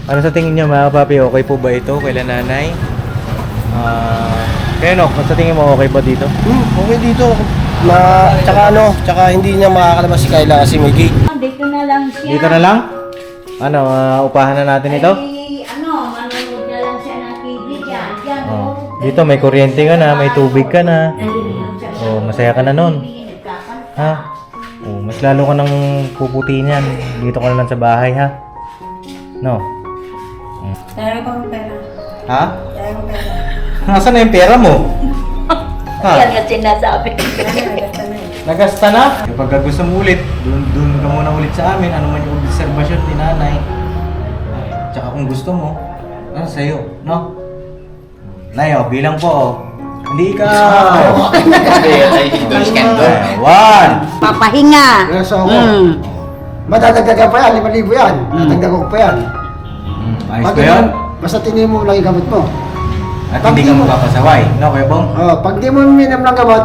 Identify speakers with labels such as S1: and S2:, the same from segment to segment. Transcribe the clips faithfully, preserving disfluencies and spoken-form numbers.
S1: Ano sa tingin niyo mga papi, okay po ba ito kay nanay? Ah, kaya no, sa tingin mo okay ba dito?
S2: Hmm, okay dito. Na, tsaka ano, tsaka hindi niya makakalabas si Kayla kasi may gate.
S3: Dito na lang siya.
S1: Dito na lang? Ano, ah, upahan na natin ito?
S3: Ay, ano, manonood na lang siya ng T V dyan. Dyan,
S1: Oh.
S3: oh.
S1: Dito may kuryente ka na, may tubig ka na. Oh, masaya ka na nun. Ha? Oh, mas lalo ka nang puputi niyan. Dito ka na lang sa bahay, ha? No?
S3: Pero pang pera.
S1: Ha?
S3: Pero pera.
S1: Nasaan na yung pera mo? Ha?
S3: Yan nga sinasabi.
S1: Nagasta na? Kapag gusto mo ulit, dun, dun ka muna ulit sa amin. Ano man yung observation ni nanay. Tsaka kung gusto mo, ano sa'yo, no? Nayo, bilang po, oh. Hindi ka! One!
S3: Papahinga.
S2: Yes, ako.
S3: Hmm.
S2: Madadagdagan pa yan, lima libo yan. Madadagdagan ko pa yan.
S1: Ayos
S2: Pag
S1: ba yun?
S2: Basta tingin mo lang yung gamot mo.
S1: At hindi ka magpapasaway, no, Kuya Bong?
S2: Oh, pag di mo minam ng gamot,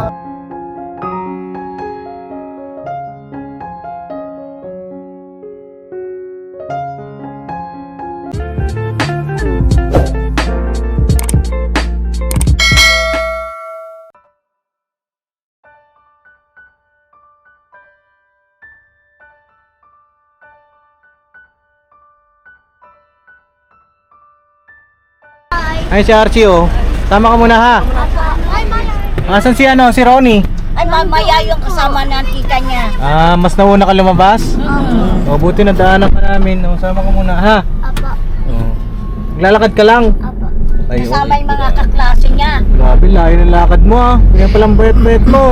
S1: Ay, si Archie, oh. Tama ka muna, ha? Asan si ano, si Ronnie?
S3: Ay, mamaya yung kasama ng tita niya.
S1: Ah, mas nauna ka lumabas?
S3: Oo.
S1: O, buti nadaanan ka namin. O, sama ka muna, ha?
S3: Apo.
S1: O. Maglalakad ka lang.
S3: Apo.
S1: Ay,
S3: Kasama yung mga kaklase niya.
S1: grabe, layo ng lakad mo, ah. Kaya palang bayat-bayat mo.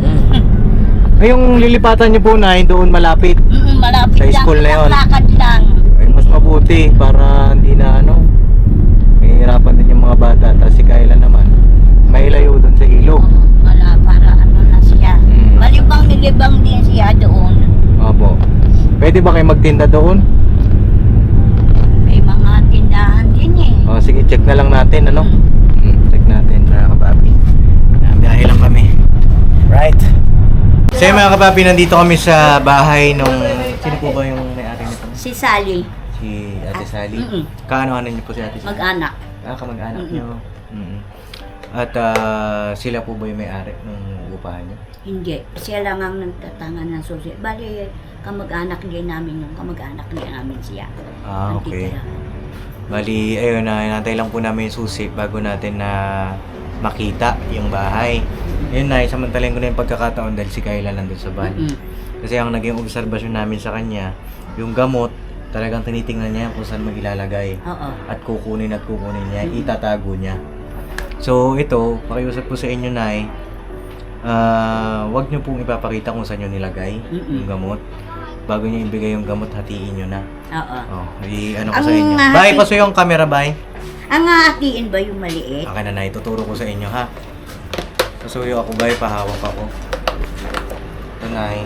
S1: Ay, yung lilipatan niyo po na, doon malapit.
S3: Mm, malapit
S1: Sa
S3: lang.
S1: school na yun.
S3: Lakad lang.
S1: Ay, mas mabuti para hindi na, ano, mahihirapan din yung mga bata. Tapos si Kayla naman, may layo doon sa ilog.
S3: Oo, wala, para ano na siya.
S1: Mm.
S3: Malibang nilibang din siya doon.
S1: Opo. Pwede ba kayo magtinda doon?
S3: May mga tindahan din eh.
S1: O, sige, check na lang natin, ano? Hmm, check natin, mga kapapi. Biyahe lang kami. Right. So yun, mga kapapi, nandito kami sa bahay nung... Sino po ba yung may-ari nito?
S3: Si Sally,
S1: Si Ate Sally.
S3: Mm-mm.
S1: Kaano-ano niyo po si Ate Sally?
S3: mag-anak.
S1: Ah, kamag-anak
S3: Mm-mm.
S1: niyo. Mm-mm. At ah, sila po ba yung may-ari ng upahan niyo?
S3: Hindi. Siya lang ang nagtatangan ng susi. Bali, kamag-anak din namin yung kamag-anak din namin siya.
S1: Ah,
S3: Ang
S1: okay.
S3: titirahan.
S1: Bali, ayun na, inantay lang po namin yung susi bago natin na makita yung bahay. Yun na, samantalin ko na yung pagkakataon dahil si Kayla nandun sa van.
S3: Mm-mm.
S1: Kasi ang naging obserbasyon namin sa kanya, yung gamot, talagang tinitingnan niya kung saan mag-ilalagay.
S3: Oo.
S1: At kukunin at kukunin niya, itatago niya. So ito, pakiusap ko sa inyo, Nay, ah, wag niyo pong ipapakita kung saan niyo nilagay
S3: Mm-mm.
S1: yung gamot. Bago niyo ibigay yung gamot, hatiin niyo na.
S3: Oo.
S1: Oh, i ano ko
S3: Ang
S1: sa inyo.
S3: hati-
S1: Bye, pasuyo yung camera, bye.
S3: Ang hahatiin ba yung maliit?
S1: Akin na, Nay, tuturo ko sa inyo, ha. Pasuyo ako, bye, pahawak ako. Ito, Nay.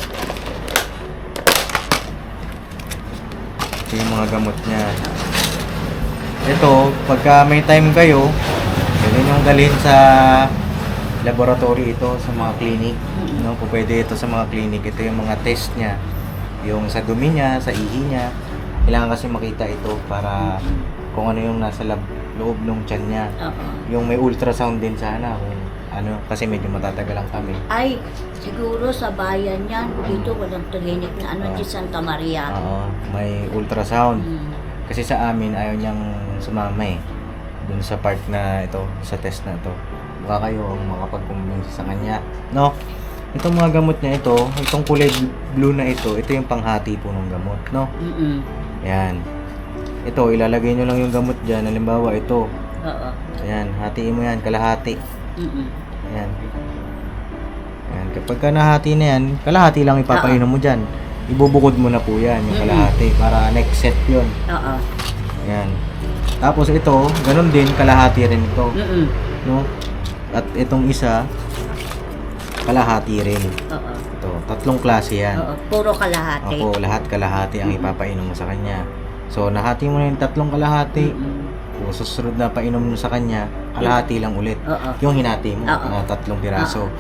S1: Ito yung mga gamot niya. Ito, pagka may time kayo, pwede niyong dalhin sa laboratory ito, sa mga clinic. No, po pwede ito sa mga clinic. Ito yung mga test niya. Yung sa dumi niya, sa ihi niya. Kailangan kasi makita ito para kung ano yung nasa lab, loob ng tiyan niya.
S3: Oo.
S1: Yung may ultrasound din sana kung ano, kasi medyo matatagalan kami.
S3: Ay, siguro sa bayan yan. Dito walang clinic na ano
S1: Ah.
S3: di Santa Maria.
S1: Oo, may ultrasound.
S3: Mm.
S1: Kasi sa amin, ayaw niyang sumama eh. Dun sa part na ito, sa test na ito. Baka kayo ang makapag-convince sa kanya. No? Itong mga gamot niya ito, itong kulay blue na ito, ito yung panghati po ng gamot. No?
S3: Mm-mm.
S1: Yan. Ito, ilalagay nyo lang yung gamot dyan. Halimbawa, ito.
S3: Oo.
S1: Ayan, hatiin mo yan, kalahati.
S3: Mm-mm.
S1: Ayan. Ayan. Kapag ka nahati na yan, kalahati lang ipapainom mo dyan. Ibubukod mo na po yan, yung
S3: Mm-mm.
S1: kalahati, para next set yun.
S3: Oo.
S1: Ayan. Tapos ito, ganun din, kalahati rin ito.
S3: Mm-mm.
S1: No? At itong isa, kalahati rin.
S3: Oo.
S1: Ito, tatlong klase yan.
S3: Oo. Puro kalahati.
S1: Ako, lahat kalahati ang ipapainom mo sa kanya. So, nahati mo na yung tatlong kalahati.
S3: Mm-mm.
S1: Kung susunod na painom mo sa kanya, kalahati lang ulit.
S3: Oo.
S1: Yung hinati mo
S3: Oo.
S1: na tatlong piraso.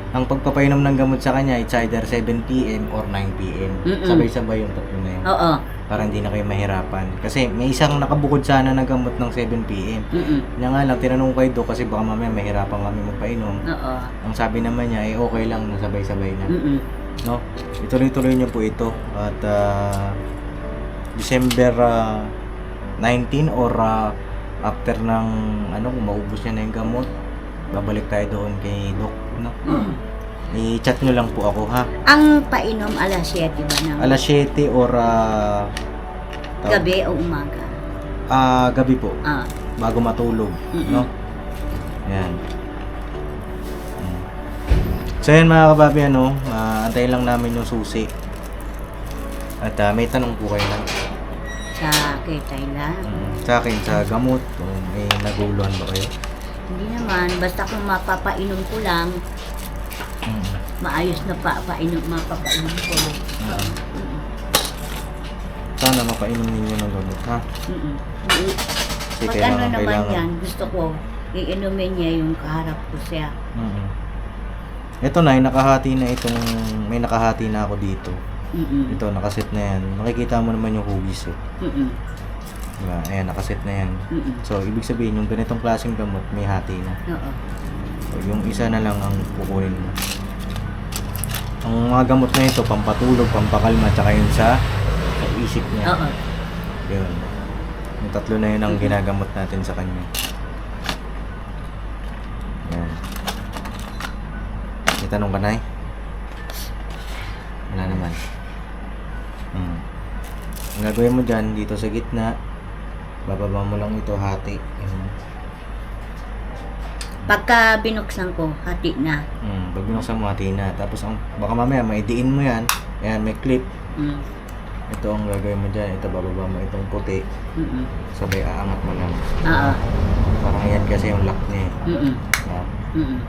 S1: Ang pagpapainom ng gamot sa kanya, it's either seven p.m. or nine p.m.
S3: Mm-mm.
S1: Sabay-sabay yung tatlo na yun.
S3: Oo.
S1: Para hindi na kayo mahirapan. Kasi may isang nakabukod sana na gamot ng seven p.m.
S3: Mm-mm.
S1: Kaya nga lang, tinanong ko ito kasi baka mamaya mahirapan kami magpainom.
S3: Oo.
S1: Ang sabi naman niya, eh okay lang, nasabay-sabay na.
S3: Mm-mm.
S1: No? Ituloy-tuloy niyo po ito. At ah, December ah, nineteen or ah, after ng ano, kung maubos niya na yung gamot, babalik tayo doon kay Doc. No? I-chat nyo lang po ako ha.
S3: Ang painom alas siyete ba ng
S1: Alas siyete or ah, tawag-
S3: gabi o umaga?
S1: Ah, gabi po.
S3: Ah.
S1: Bago matulog.
S3: Mm-mm.
S1: No? Yan. Mm. So yan mga kababi, ano, ah, antayin lang namin yung susi. At ah, may tanong po kayo na.
S3: Sa kay Thailand.
S1: Mm. Sa akin, sa gamot, kung may naguluhan ba kayo?
S3: Hindi naman, basta kung mapapainom ko lang,
S1: Mm.
S3: maayos na pa painom, mapapainom ko.
S1: Mm. Sana mapainom ninyo ng gamot, ha?
S3: Mm-mm.
S1: Kasi
S3: Pag ano
S1: kailangan,
S3: naman
S1: kailangan.
S3: yan, gusto ko, iinumin niya yung kaharap ko siya.
S1: Mm. Ito na, nakahati na itong, may nakahati na ako dito.
S3: Mm-mm.
S1: Ito, nakaset na yan. Makikita mo naman yung hugis, eh.
S3: Mm-mm.
S1: Diba? Ayan, nakaset na yan.
S3: Mm-mm.
S1: So, ibig sabihin, yung ganitong klaseng gamot, may hati na.
S3: Oo.
S1: So, yung isa na lang ang kukunin mo. Ang mga gamot na ito, pampatulog, pampakalma, tsaka yun sa, sa isip niya.
S3: Oo.
S1: Yun. Yung tatlo na yun ang ginagamot natin sa kanya. Yan. May tanong ka, Nay? Wala naman. Hmm. Ang gagawin mo dyan, dito sa gitna, bababa mo lang ito, hati. Yan.
S3: Pagka binuksan ko, hati na.
S1: Hmm. Pag binuksan mo, hati na. Tapos, ang, baka mamaya, maidiin mo yan. Yan, may clip.
S3: Mm.
S1: Ito ang gagawin mo dyan. Ito, bababa mo itong puti.
S3: Mm-mm.
S1: Sabay, aangat mo lang.
S3: Oo.
S1: Parang yan kasi yung lock niya. eh.
S3: Mm-mm.
S1: Yan.
S3: Mm-mm.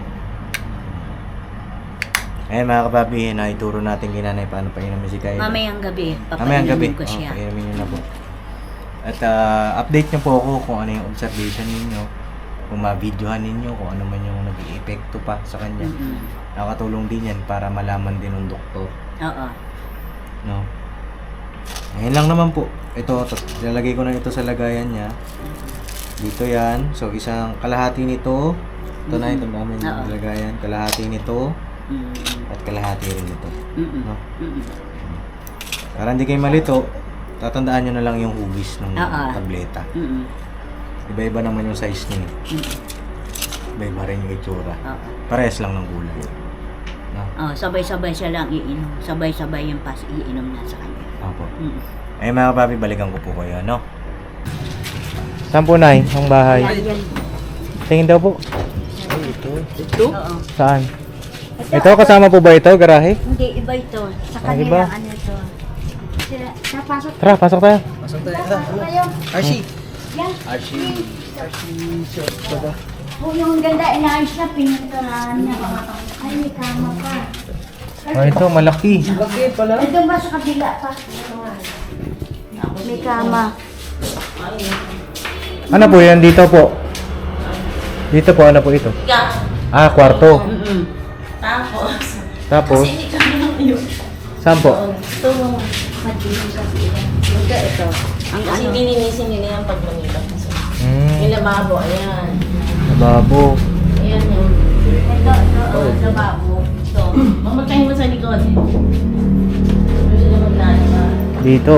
S1: Ayan mga kapapi, na ituro natin kay nanay paano painumin si Kyle.
S3: Mamayang gabi,
S1: Mamayang gabi.
S3: papainumin ko siya.
S1: Oh, painumin nyo na po. At ah, update nyo po ako kung ano yung observation ninyo. Kung ma-videohan ninyo, kung ano man yung nag-i-epekto pa sa kanya.
S3: Mm-mm.
S1: Nakakatulong din yan para malaman din ng doktor.
S3: Oo.
S1: No? Ayan lang naman po. Ito, tas lalagay ko na ito sa lagayan niya. Dito yan. So, isang kalahati nito. Ito na, ito namin
S3: Oo.
S1: yung lagayan. Kalahati nito.
S3: Mm-mm.
S1: At kalahati rin ito.
S3: Mm-mm.
S1: No?
S3: Mm-mm.
S1: Para hindi kayo malito, tatandaan nyo na lang yung hugis ng
S3: Oo.
S1: tableta.
S3: Mm-mm.
S1: Iba-iba naman yung size niya. eh.
S3: Mm-mm.
S1: Iba-iba rin yung itsura.
S3: Oo.
S1: Parehas lang ng gulay. No?
S3: Oh, sabay-sabay siya lang iinom. Sabay-sabay yung pas iinom na sa kanya.
S1: Opo.
S3: Mm.
S1: Ay mga papi, balikan ko po kayo, no? Saan po, Nay? Ang bahay?
S3: Yan.
S1: Tingin daw po.
S3: Oo.
S1: Saan? Ito, kasama po ba ito, garahe?
S3: Hindi, iba ito. Sa
S1: Ah,
S3: kanila,
S1: iba?
S3: ano ito. Sila, napasok
S1: Tara, pasok tayo.
S2: Pasok tayo.
S3: Napasok kayo.
S2: Archie.
S3: Yan.
S2: Archie. Archie. Short ka ba?
S3: Oh, yung ganda, inaayos na, pinagkaraan niya. Ay, may kama pa.
S1: Oh, ito, malaki.
S2: Laki pala.
S3: Ito ba sa kabila pa? May kama.
S1: Ano po yan dito po? Dito po, ano po ito? Ah, kwarto.
S3: Mm-mm.
S4: Tapos,
S1: Tapos,
S4: kasi hindi kami nang yun.
S1: saan po?
S4: Ito,
S3: Madilim sa sila. Ito, ito. Ang
S4: kasi
S3: ano,
S4: dininisin nila yung pag manila. Kasi yung
S1: Hmm,
S4: lababo, ayan.
S1: lababo.
S4: Ayan yung,
S3: ito, ito, oh, lababo.
S4: ito. Mamagkain mo sa likod. Ano sila maglalaba?
S1: Dito.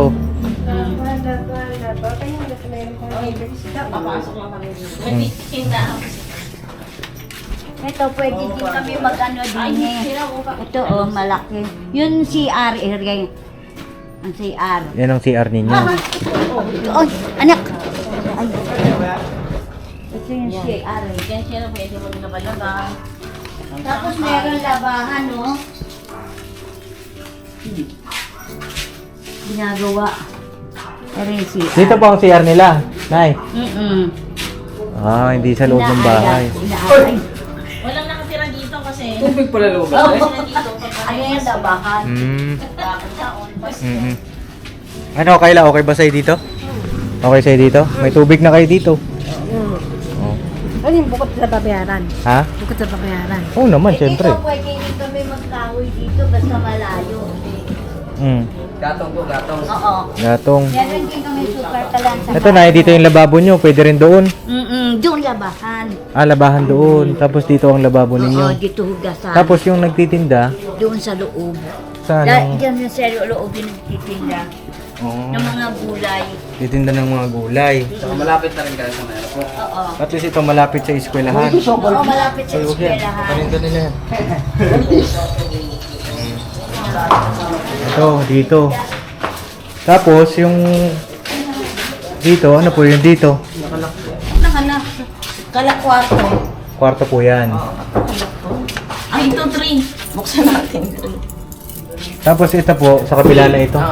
S4: Papasok lang kami dito. May tinda ako.
S3: Ito, pwede din kami mag-ano
S4: Ay,
S3: din eh.
S4: sila ko pa.
S3: Ito, oh, malaki. Yun C R area. Ang C R.
S1: Yan ang C R ninyo.
S3: Oh, anak! Ay. Ito yung C R. eh.
S4: Kaya sila pwede maglaba-laba.
S3: Tapos meron labahan, no? Hmm. Ginagawa. Pero yung C R.
S1: Dito po ang C R nila, Nay.
S3: Mm-mm.
S1: Ah, hindi sa loob ng bahay.
S3: Inaayos.
S4: Walang nakatira dito kasi.
S2: Tubig pala loob.
S4: Oo, sila dito.
S3: Ayan yung labahan.
S1: Hmm.
S3: Bakit taon?
S1: Mm-mm. Ano, Kayla, okay ba sa'yo dito? Okay sa'yo dito? May tubig na kayo dito. Oh.
S4: Ano yung bukod sa babayaran?
S1: Ha?
S4: Bukod sa babayaran.
S1: Oo naman,
S3: Eh,
S1: syempre.
S3: dito, pwede rin kami magkahoy dito basta malayo.
S1: Mm.
S2: Gatong po, gatong.
S3: Oo.
S1: Gatong.
S3: Meron din kami super talan sa
S1: Ito na, dito yung lababo nyo. Pwede rin doon.
S3: Mm-mm, doon labahan.
S1: Ah, labahan doon. Tapos dito ang lababo
S3: Oo,
S1: ninyo.
S3: dito hugasan.
S1: Tapos yung nagtitinda,
S3: doon sa loob.
S1: sa
S3: Da,
S1: anong...
S3: diyan yung sa loob yung nagtitinda
S1: Oo.
S3: ng mga gulay.
S1: Titinda ng mga gulay.
S2: Saka malapit na rin kayo sa meron po.
S3: Oo.
S1: At least ito malapit sa eskwelahan.
S3: Oo, malapit sa
S1: Ay, huwag yan.
S3: eskwelahan.
S1: Paninda nila yan. Ito, dito. Tapos yung... Dito, ano po yung dito?
S4: Nakanak. Kala kwarto.
S1: Kwarto po yan.
S4: Ay, ito three. Buksan natin three.
S1: Tapos ito po, sa kabila na ito.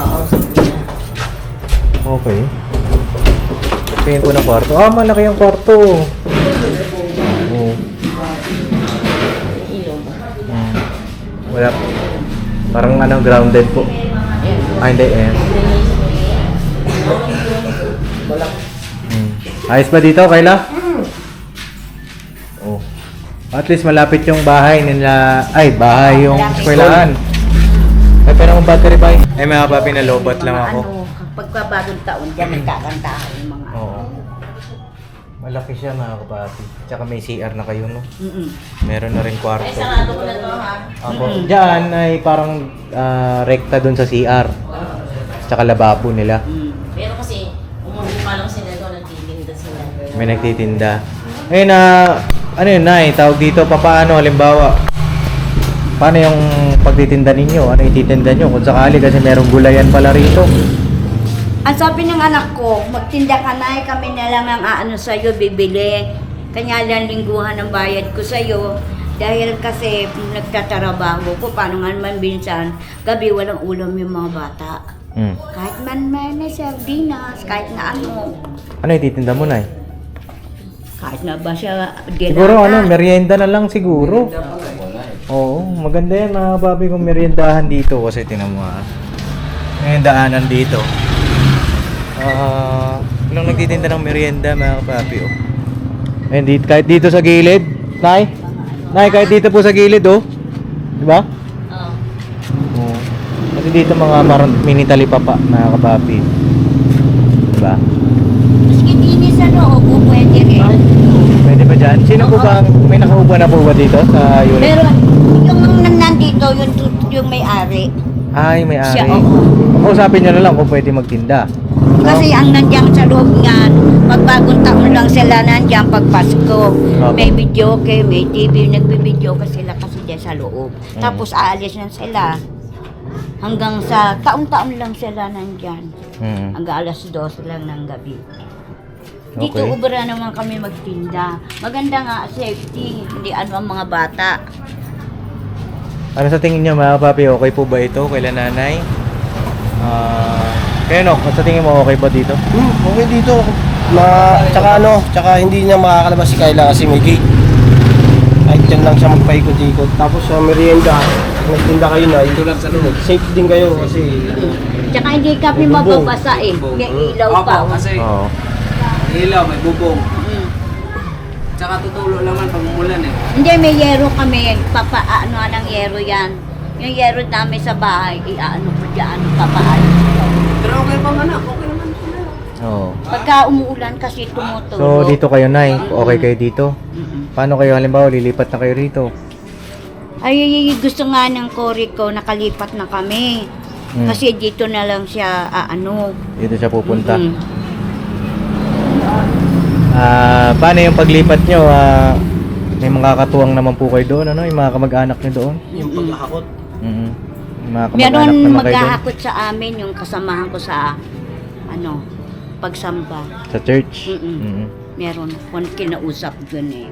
S1: Okay. Tingin po ng kwarto. Ah, malaki yung kwarto. Oo. Hmm. Wala. Parang ano, grounded po. Ah, hindi eh. Hmm. Ayos ba dito, Kayla? Oh. At least malapit yung bahay nila. Ay, bahay yung eskwelahan. Ay, pero ang battery ba? Ay, mga papi, nalobat lang ako.
S3: Ano, pagkabagong taon, dyan nagkakantahan yung mga ano.
S1: Oo. Malaki siya, mga kapati. Tsaka may C R na kayo, no?
S3: Mm-mm.
S1: Meron na rin kwarto.
S4: Ay, sarado ko na to ha.
S1: Ako, diyan ay parang ah, rekta dun sa C R. Tsaka lababo nila.
S3: Mm.
S4: Pero kasi, umuha lang sila doon, nagtitinda sila.
S1: May nagtitinda. Eh na, ano yun, Nay? Tawag dito, papaano, halimbawa, paano yung pagtitinda ninyo? Ano ititinda nyo? Kung sakali kasi merong gulayan pala rito.
S3: Ang sabi ng anak ko, magtinda ka na, eh, kami na lang ang aano sa'yo, bibili. Kanya lang lingguhan ang bayad ko sa'yo. Dahil kasi nagtatrabaho ko, paano nga naman minsan, gabi walang ulam yung mga bata.
S1: Hmm.
S3: Kahit man may may sardinas, kahit na ano.
S1: Ano ititinda mo, Nay?
S3: Kahit na ba siya
S1: Siguro ano, merienda na lang siguro. Oo, maganda yan mga papi kung meriendahan dito kasi tinan mo ah. May daanan dito. Ah, walang nagtitinda ng merienda mga papi oh. Ayun, dito, kahit dito sa gilid, Nay. Nay, kahit dito po sa gilid oh. Di ba?
S4: Oo.
S1: Oo. Kasi dito mga maron, mini talipapa mga kapapi. Di ba?
S3: Maski dinis sa loob, pwede rin.
S1: Pwede ba dyan? Sino po ba, may nakaupa na po ba dito sa unit?
S3: Pero yung nan- nandito, yung, yung may-ari.
S1: Ay, may ari.
S3: Siya, oo.
S1: Kausapin nyo na lang kung pwede magtinda.
S3: Kasi ang nandiyan sa loob nga, pag bagong taon lang sila nandiyan pag Pasko. May video okay, may T V, nagbibideo ka sila kasi dyan sa loob.
S1: Mm.
S3: Tapos aalis na sila. Hanggang sa taon-taon lang sila nandyan.
S1: Hmm.
S3: Hanggang alas dos lang ng gabi. Dito
S1: Okay.
S3: ubra naman kami magtinda. Maganda nga, safety, hindi ano ang mga bata.
S1: Ano sa tingin nyo mga papi, okay po ba ito kaila nanay? Ah, kaya no, sa tingin mo okay ba dito?
S2: Hmm, okay dito. Ma, tsaka ano, tsaka hindi niya makakalabas si Kayla kasi may gate. Kahit dyan lang siya magpaikot-ikot. Tapos sa merienda, kung nagtinda kayo na, ito lang sa loob. Safe din kayo kasi
S3: Tsaka hindi kami
S2: May bubong.
S3: mababasa eh. May ilaw pa.
S5: Opo, kasi
S1: Oo.
S5: ilaw, may bubong.
S3: Mm.
S5: Tsaka tutulo naman pag umulan eh.
S3: Hindi, may yero kami. Papa, ano ng yero yan. Yung yero namin sa bahay, iaano ko dyan, papaano.
S5: Pero okay pa man ako, okay naman po na.
S1: Oo.
S3: Pagka umuulan kasi tumutulo.
S1: So dito kayo nay, okay kayo dito?
S3: Mm-mm.
S1: Paano kayo halimbawa lilipat na kayo rito?
S3: Ay, gusto nga ng kori ko, nakalipat na kami.
S1: Mm.
S3: Kasi dito na lang siya, ah, ano.
S1: Dito siya pupunta.
S3: Mm-mm.
S1: Ah, paano yung paglipat nyo? Ah, may mga katuwang naman po kayo doon, ano? Yung mga kamag-anak nyo doon?
S2: yung paghahakot.
S1: Mm. Yung mga kamag-anak
S3: Meron
S1: naman kayo doon?
S3: maghahakot sa amin yung kasamahan ko sa, ano, pagsamba.
S1: Sa church?
S3: Mm-mm.
S1: Mm.
S3: Meron kung kinausap dun eh.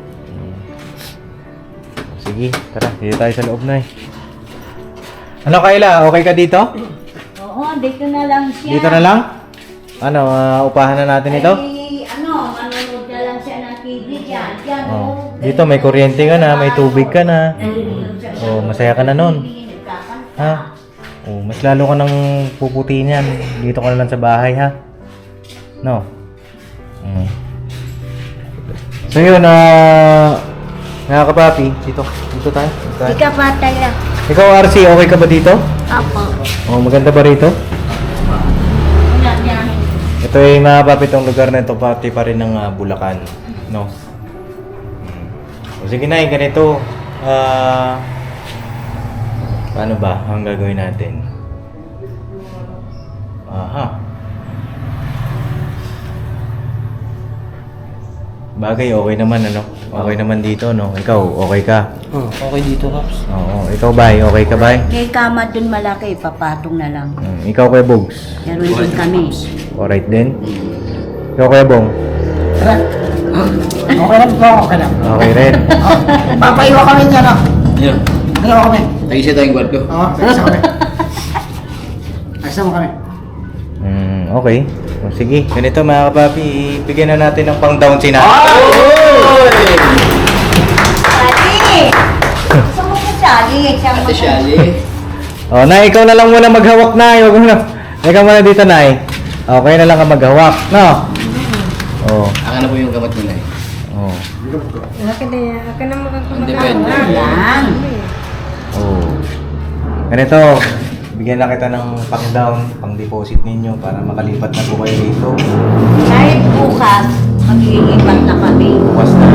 S1: Sige, tara, dito tayo sa loob na eh. Ano Kayla, okay ka dito?
S3: Oo, dito na lang siya.
S1: Dito na lang? Ano, ah, upahan na natin ito?
S3: Ay, ano, manonood na lang siya ng T V dyan. Dyan,
S1: Oh. Dito may kuryente ka na, may tubig ka na. Oh, masaya ka na nun. Ha? Oh, mas lalo ka nang puputi niyan. Dito ka na lang sa bahay, ha? No? Mm. So yun, na mga kapapi, dito, dito tayo. Dito tayo.
S3: Ika patay lang.
S1: Ikaw, R C, okay ka ba dito?
S3: Apo.
S1: Oh, maganda ba rito?
S4: Wala niya.
S1: Ito ay mga kapapi, itong lugar na ito, pati pa rin ng ah, Bulacan. No? Hmm. O sige na, ganito. Ah... paano ba ang gagawin natin? Aha. Bagay, okay naman ano? Okay naman dito, no? Ikaw, okay ka?
S2: Hmm, okay dito, Pops.
S1: Oo. Ikaw, Bay, okay ka, Bay?
S3: May kama dun malaki, papatong na lang.
S1: Hmm. Ikaw, Kuya Bogs?
S3: Meron din kami.
S1: Alright din? Ikaw, Kuya Bong?
S2: Okay lang po, okay lang.
S1: Okay rin?
S2: Papaiwa kami dyan, ah.
S5: Yun.
S2: Dalawa kami.
S5: Tagisa tayong kwarto.
S2: Oo, ayos kami. Ayos mo kami.
S1: Hmm, okay. O, sige, ganito mga kapapi, ibigyan na natin ng pang-down si Nat.
S3: Sali! Gusto mo ko sali? Siyang
S5: Ate Shali.
S1: O, Nay, ikaw na lang muna maghawak, Nay. Huwag mo na. Ikaw muna dito, Nay. Okay na lang ka maghawak, no? Oo.
S5: Aka na po yung gamot nila eh.
S1: Oo.
S6: Akin na yan. Akin na
S5: Ang depende.
S3: Lang.
S1: Oo. Ganito, bigyan na kita ng pang-down, pang-deposit ninyo para makalipat na po kayo dito.
S3: Kahit bukas, mag-iipat na kami.
S1: Bukas na.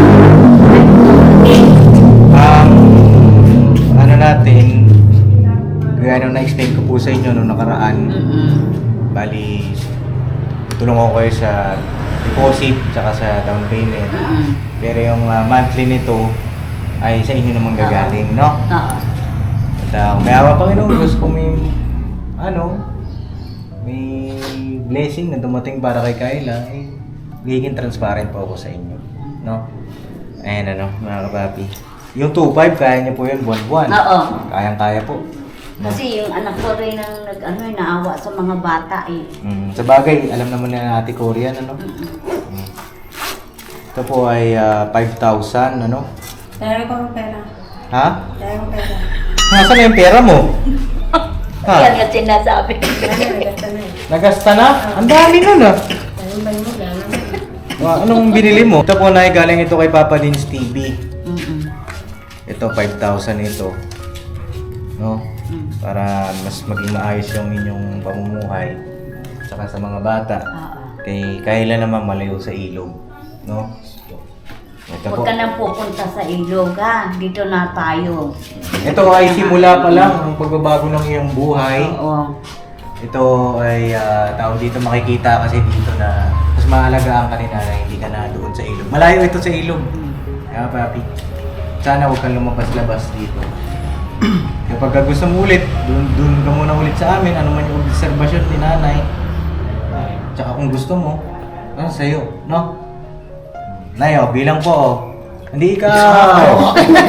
S1: Ang ano natin, gaya nung na-explain ko po sa inyo nung nakaraan,
S3: Mm-mm.
S1: bali, tulong ako kayo sa deposit tsaka sa down payment.
S3: Mm-mm.
S1: Pero yung ah, monthly nito ay sa inyo naman gagaling, no?
S3: Oo.
S1: At uh, may awa Panginoon, gusto ko may, ano, may blessing na dumating para kay Kayla, eh, magiging transparent po ako sa inyo, no? Ayan ano, mga kapapi. Yung two point five, kaya niyo po yun buwan-buwan.
S3: Oo.
S1: Kayang-kaya po. No?
S3: Kasi yung anak ko rin ang nag, ano, eh, naawa sa mga bata eh.
S1: Mm, sa bagay, alam naman na Ate Korean, ano? Mm. Ito po ay ah, five thousand, ano?
S6: Dahil ko ang pera.
S1: Ha?
S6: Dahil ko ang pera.
S1: Nasaan na yung pera mo? Ha?
S3: Yan ang sinasabi.
S6: Dahil nagasta na eh.
S1: Nagasta na? Ang dami nun ah.
S6: Dahil ba mo gano'n?
S1: Ah, anong binili mo? Ito po na galing ito kay Papa Dins T V.
S3: Mm-mm.
S1: Ito, five thousand ito. No? Para mas maging maayos yung inyong pamumuhay. Saka sa mga bata.
S3: Oo.
S1: Kay Kayla naman malayo sa ilog. No? Ito po.
S3: Huwag ka nang pupunta sa ilog ha. Dito na tayo.
S1: Ito ay simula pa lang ang pagbabago ng iyong buhay.
S3: Oo.
S1: Ito ay uh, tao dito makikita kasi dito na mas maalagaan ka ni nanay, hindi ka na doon sa ilog. Malayo ito sa ilog. Kaya papi, sana huwag kang lumabas-labas dito. Kapag ka gusto mo ulit, doon, doon ka muna ulit sa amin, ano man yung obserbasyon ni nanay. Tsaka kung gusto mo, ano sa'yo, no? Nay, oh, bilang po, oh. Hindi ikaw!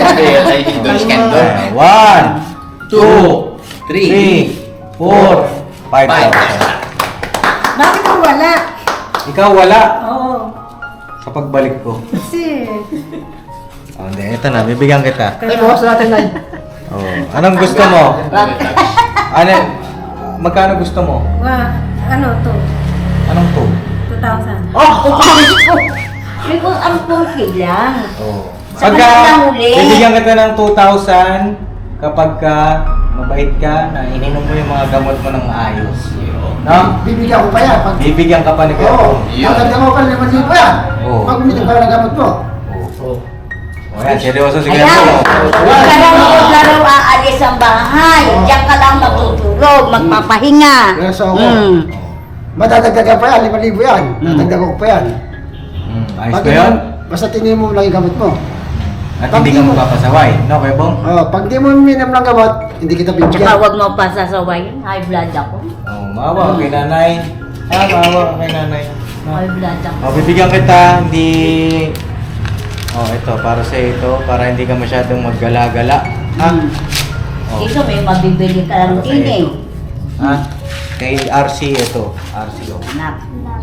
S1: Ah, One, two, three, four, five thousand.
S6: Bakit mo wala?
S1: Ikaw wala
S6: Oo.
S1: sa pagbalik ko.
S6: Kasi,
S1: Oh, hindi, ito na, bibigyan kita.
S2: Ay, bawas natin na.
S1: Oh, anong gusto mo? Ano, magkano gusto mo?
S6: wa, ano to?
S1: Anong to?
S6: two thousand.
S3: May kung ang pungki lang.
S1: Oh.
S3: Sa
S1: Pagka,
S3: kanila huli.
S1: bibigyan kita ng two thousand kapag ka mabait ka na ininom mo yung mga gamot mo ng ayos. No?
S2: Bibigyan ko pa yan. Pag,
S1: Bibigyan ka pa ni
S2: oo,
S1: Kuya.
S2: maganda mo pa rin naman dito yan.
S1: Oo.
S2: Pag bumili pa ng gamot mo.
S1: Oh. Oh, yan, seryoso si Kuya.
S3: Ayan.
S1: Bong.
S3: Huwag ka lang huwag ka lang aalis ang bahay. Diyan ka lang matutulog, magpapahinga.
S2: Yes, ako.
S3: Mm.
S2: Madadagdagan pa yan, lima libo yan. Dadagdagan ko pa yan.
S1: Hmm, ayos
S2: Pag
S1: ba yun?
S2: Basta tingin mo lang yung gamot mo.
S1: At
S2: Pag
S1: hindi
S2: di
S1: ka
S2: mo-
S1: magpapasaway, no, Kuya Bong?
S2: Oh, pag di mo minam ng gamot, hindi kita
S3: Tsaka
S2: bibigyan.
S3: huwag mo pa sasawayin. High blood ako.
S1: Oh, maawa ka kay nanay. Ah, maawa ka kay nanay. No?
S3: High blood ako.
S1: Oh, bibigyan kita, hindi... Oh, ito, para sa ito, para hindi ka masyadong maggala-gala. Ha?
S3: Mm.
S1: Oh,
S3: Dito may mabibili ka lang
S1: para sa
S3: din eh.
S1: ito. Ha? Kay R C ito, R C oh.
S3: Anak.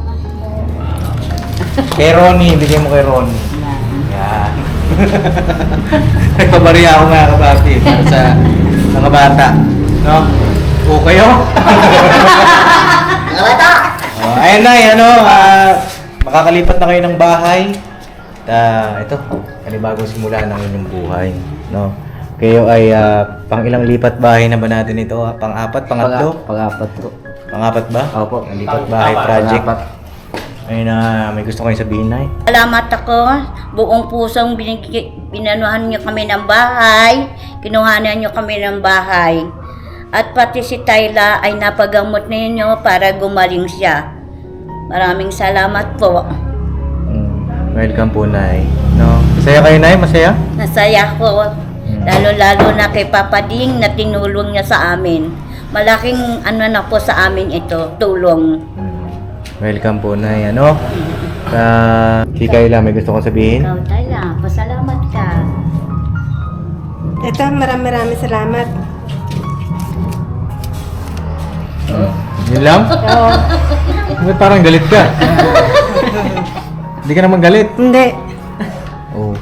S1: Kay Ronnie, bigyan mo kay Ronnie.
S3: Yan.
S1: Yan. Nagpabariya ako mga kabati para sa mga bata. No? O kayo?
S2: Mga bata!
S1: Oh, ayun na, ano, ah, makakalipat na kayo ng bahay. Ah, ito, panibagong simula ng inyong buhay, no? Kayo ay ah, pang ilang lipat bahay na ba natin ito? ah? Pang-apat, pangatlo?
S5: Pang-apat po.
S1: Pang-apat ba?
S5: Opo.
S1: Ang lipat bahay project.
S5: Pang-apat.
S1: Ayun na, may gusto kayong sabihin, Nay?
S3: Salamat ako. Buong pusong binig- binanuhan niyo kami ng bahay. Kinuhanan niyo kami ng bahay. At pati si Tayla ay napagamot ninyo para gumaling siya. Maraming salamat po.
S1: Mm, welcome po, Nay. No? Masaya kayo, Nay? Masaya?
S3: Nasaya ko. Lalo-lalo na kay Papa Ding na tinulong niya sa amin. Malaking ano na po sa amin ito, tulong.
S1: Mm, welcome po, Nay. Ano? Sa si Kayla, may gusto kong sabihin?
S3: Ikaw, Tayla, pasalamat ka.
S6: Ito, maraming maraming salamat.
S1: Yun lang?
S6: Oo.
S1: Ba't parang galit ka? Hindi ka naman galit.
S6: Hindi.
S1: Oh.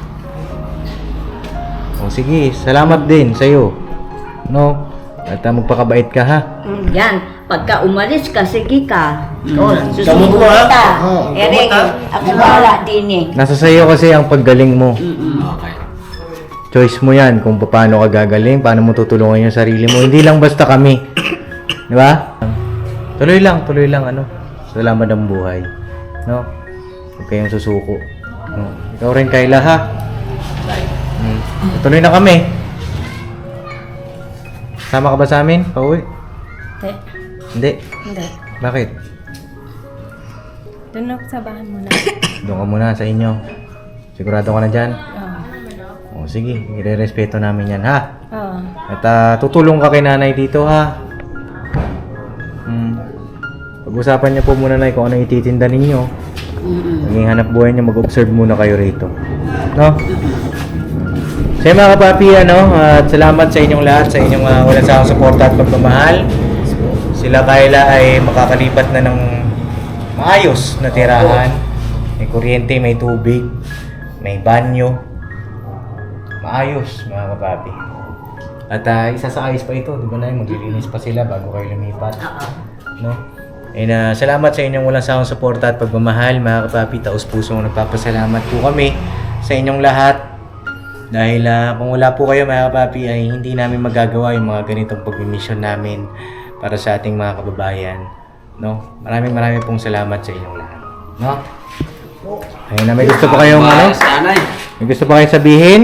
S1: Oh, sige. Salamat din sa'yo. No? At uh, magpakabait ka, ha?
S3: Yan, pagka umalis ka, sige ka. O,
S2: Gamot
S3: susunod
S2: mo, ha?
S3: ka.
S2: Oo,
S3: Ere,
S2: gamot, ha?
S3: ako wala din eh.
S1: Nasa sa'yo kasi ang paggaling mo.
S5: Okay.
S1: Choice mo yan kung paano ka gagaling, paano mo tutulungan yung sarili mo. Hindi lang basta kami. Di ba? Tuloy lang, tuloy lang, ano? Salamat ng buhay. No? Huwag kayong susuko. No? Ikaw rin, Kayla, ha? Hmm. Tuloy na kami. Sama ka ba sa amin? Pauwi?
S6: Hindi.
S1: Hindi.
S6: Hindi.
S1: Bakit?
S6: Doon ako sa bahay muna.
S1: Doon ka muna sa inyo. Sigurado ka na dyan?
S6: Oo.
S1: O sige, ire-respeto namin yan, ha?
S6: Oo.
S1: At ah, tutulong ka kay nanay dito, ha? Hmm. Pag-usapan niyo po muna, Nay, kung ano ititinda ninyo. Maging hanap buhay niyo, mag-observe muna kayo rito. No? So yun, mga kapapi, ano, at salamat sa inyong lahat, sa inyong uh, walang sawang suporta at pagmamahal. Sila Kayla ay makakalipat na ng maayos na tirahan. May kuryente, may tubig, may banyo. Maayos, mga kapapi. At uh, isa sa ayos pa ito, di ba, Nay? Maglilinis pa sila bago kayo lumipat. No? And uh, salamat sa inyong walang sawang suporta at pagmamahal, mga kapapi. Taos pusong nagpapasalamat po kami sa inyong lahat. Dahil uh, kung wala po kayo, mga kapapi, ay hindi namin magagawa yung mga ganitong pag-mission namin para sa ating mga kababayan. No? Maraming maraming pong salamat sa inyong lahat. No? Ayun na, may gusto pa kayong ano?
S5: Sanay.
S1: May gusto pa kayong sabihin?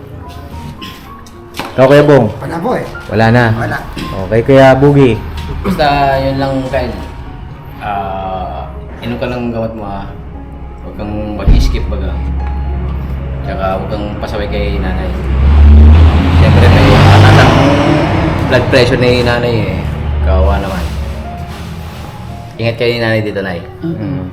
S1: Ikaw, Kuya Bong?
S2: Wala po eh.
S1: Wala na.
S2: Wala.
S1: Okay, Kuya Bugi.
S5: Basta yun lang, Kyle. Ah, inom ka ng gamot mo, ha. Huwag kang mag-skip baga. Tsaka huwag kang pasaway kay nanay. Siyempre may mataas ang blood pressure ni nanay eh. Kawawa naman. Ingat kayo ni nanay dito, Nay.
S1: Mm.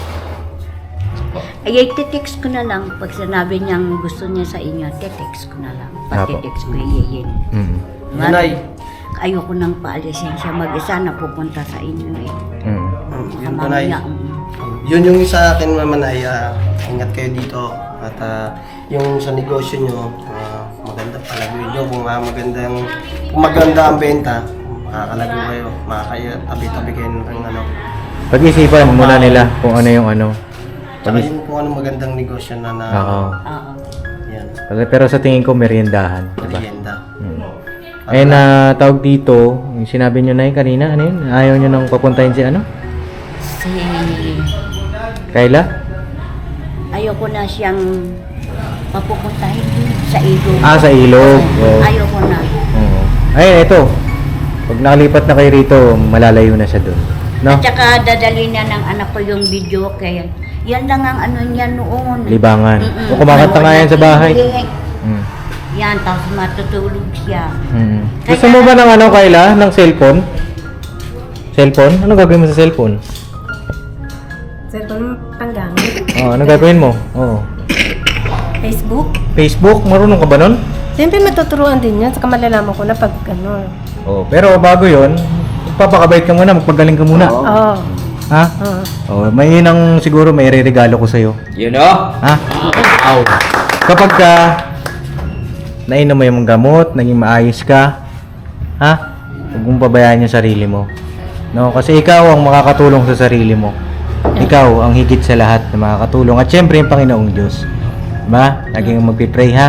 S3: Ay, text ko na lang. Pag sinabi niyang gusto niya sa inyo, text ko na lang.
S1: Apo.
S3: Pag-text ko iyayin.
S1: Mm.
S2: Nanay.
S3: Ayoko nang paalisin siya mag-isa na pupunta sa inyo eh.
S1: Mm.
S2: Yun po,
S3: Sa
S2: Nay.
S3: mamaya, mm.
S2: Yun yung sa akin naman ay ah, ingat kayo dito at ah, yung sa negosyo nyo ah, maganda palaguin nyo kung ah, magandang kung maganda ang benta makakalago kayo makakatabi-tabi kayo ng ano
S1: Pag-isipan muna nila kung ano yung ano.
S2: tsaka yung kung ano magandang negosyo na na
S1: Oo.
S3: Oo.
S2: yan
S1: Pero- Pero sa tingin ko, meriendahan. Diba?
S2: merienda
S1: Mm. Eh na tawag dito, yung sinabi nyo na yun kanina, ano yun? Ayaw nyo nang papuntahin si ano?
S3: Si...
S1: Kayla?
S3: Ayoko na siyang papupuntahin sa ilog.
S1: Ah, sa ilog. Oo.
S3: Ayoko na.
S1: Oo. Ay, eto. Pag nakalipat na kayo rito, malalayo na siya doon. No?
S3: At saka dadalhin na ng anak ko yung video kaya yan lang ang ano niya noon.
S1: Libangan.
S3: Mm-mm.
S1: O kumakanta nga yan sa bahay.
S3: Huli.
S1: Mm.
S3: Yan, tapos matutulog siya.
S1: Mm. Gusto mo ba ng ano, Kayla? Ng cellphone? Cellphone? Ano gagawin mo sa cellphone?
S6: Cellphone panggamit.
S1: Oh, ano gagawin mo? Oo.
S6: Facebook.
S1: Facebook? Marunong ka ba nun?
S6: Siyempre matuturuan din yun. Saka malalaman ko na pag ano.
S1: Oh, pero bago yon, magpapakabait ka muna, magpagaling ka muna.
S6: Oo.
S1: Ha?
S6: Oo.
S1: Oh, may yun ang siguro may regalo ko sa'yo.
S5: You know?
S1: Ha? Aw. Kapag ka nainom mo yung gamot, naging maayos ka, ha? Huwag mong pabayaan yung sarili mo. No? Kasi ikaw ang makakatulong sa sarili mo. Ikaw ang higit sa lahat na makakatulong. At syempre yung Panginoong Diyos. Ba? Laging magpipray ha.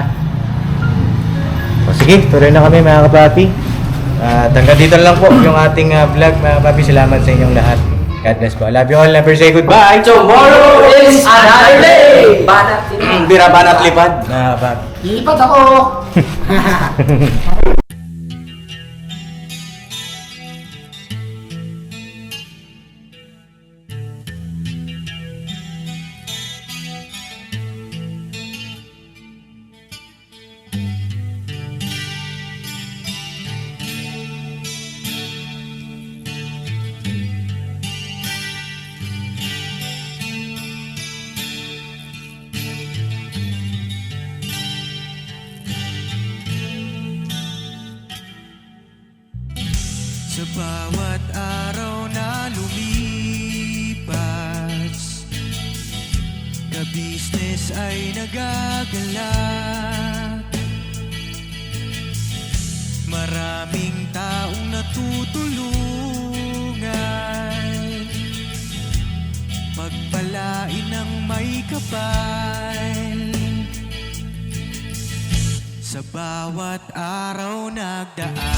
S1: O sige, tuloy na kami mga kapapi. At hanggang dito na lang po yung ating ah, vlog mga kapapi. Salamat sa inyong lahat. God bless po. I love you all. Never say goodbye.
S2: Tomorrow is another day! Banat
S1: Bira banat lipad. Mga kapapi.
S2: Lipat ako!
S7: Sa bawat araw na lumipas, ka-business ay nagagalak. Maraming taong natutulungan, pagpalain ng may kapal. Sa bawat araw nagdaan,